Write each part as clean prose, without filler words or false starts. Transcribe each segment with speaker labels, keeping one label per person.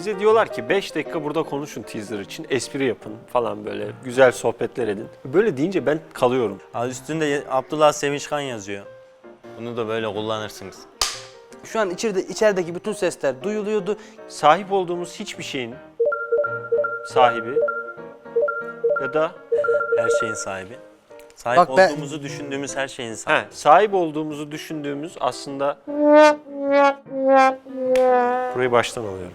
Speaker 1: Bize diyorlar ki 5 dakika burada konuşun teaser için, espri yapın falan böyle güzel sohbetler edin. Böyle deyince ben kalıyorum.
Speaker 2: Abi üstünde Abdullah Sevinçkan yazıyor. Bunu da böyle kullanırsınız.
Speaker 3: Şu an içerideki bütün sesler duyuluyordu.
Speaker 1: Sahip olduğumuz hiçbir şeyin sahibi ya da
Speaker 2: Her şeyin sahibi. Sahip
Speaker 3: Bak ben-
Speaker 2: olduğumuzu düşündüğümüz her şeyin sahibi.
Speaker 1: sahip olduğumuzu düşündüğümüz aslında... Burayı baştan alıyorum.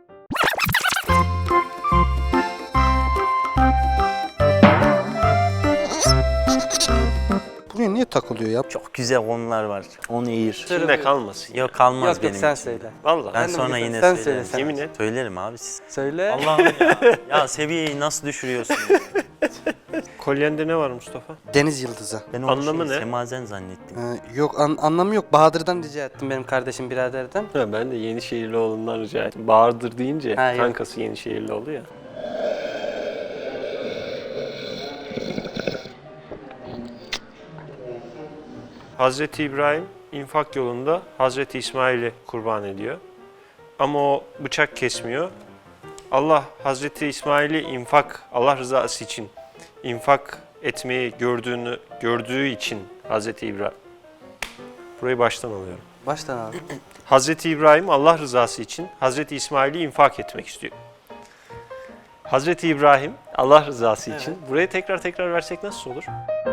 Speaker 3: Buraya niye takılıyor ya?
Speaker 2: Çok güzel konular var. Onu eğir.
Speaker 1: İçinde kalmasın.
Speaker 2: Yok kalmaz
Speaker 3: Yok
Speaker 2: benim
Speaker 3: yok sen
Speaker 2: için.
Speaker 3: söyle.
Speaker 1: Vallahi.
Speaker 2: Ben
Speaker 3: de
Speaker 2: sonra
Speaker 3: bilmiyorum.
Speaker 2: yine
Speaker 3: Sen
Speaker 2: söylerim.
Speaker 3: söyle, sen.
Speaker 1: Yemin et.
Speaker 2: Söylerim abi siz.
Speaker 3: Söyle.
Speaker 2: Allah'ım ya. Ya seviyeyi nasıl düşürüyorsun?
Speaker 1: Kolyende ne var Mustafa?
Speaker 3: Deniz yıldızı.
Speaker 2: Ben
Speaker 1: Anlamı ne?
Speaker 2: Semazen zannettim.
Speaker 3: Yok anlamı yok. Bahadır'dan rica ettim benim kardeşim biraderden.
Speaker 1: Ha, ben de Yenişehirlioğlu'ndan rica ettim. Bağırdır deyince
Speaker 3: Ha, yok.
Speaker 1: kankası Yenişehirlioğlu ya. Hazreti İbrahim infak yolunda Hazreti İsmail'i kurban ediyor. Ama o bıçak kesmiyor. Allah Hazreti İsmail'i Allah rızası için infak etmeyi gördüğü için Hazreti İbrahim. Burayı baştan alıyorum.
Speaker 3: Baştan abi.
Speaker 1: Hazreti İbrahim Allah rızası için Hazreti İsmail'i infak etmek istiyor. Hazreti İbrahim Allah rızası için. Burayı tekrar versek nasıl olur?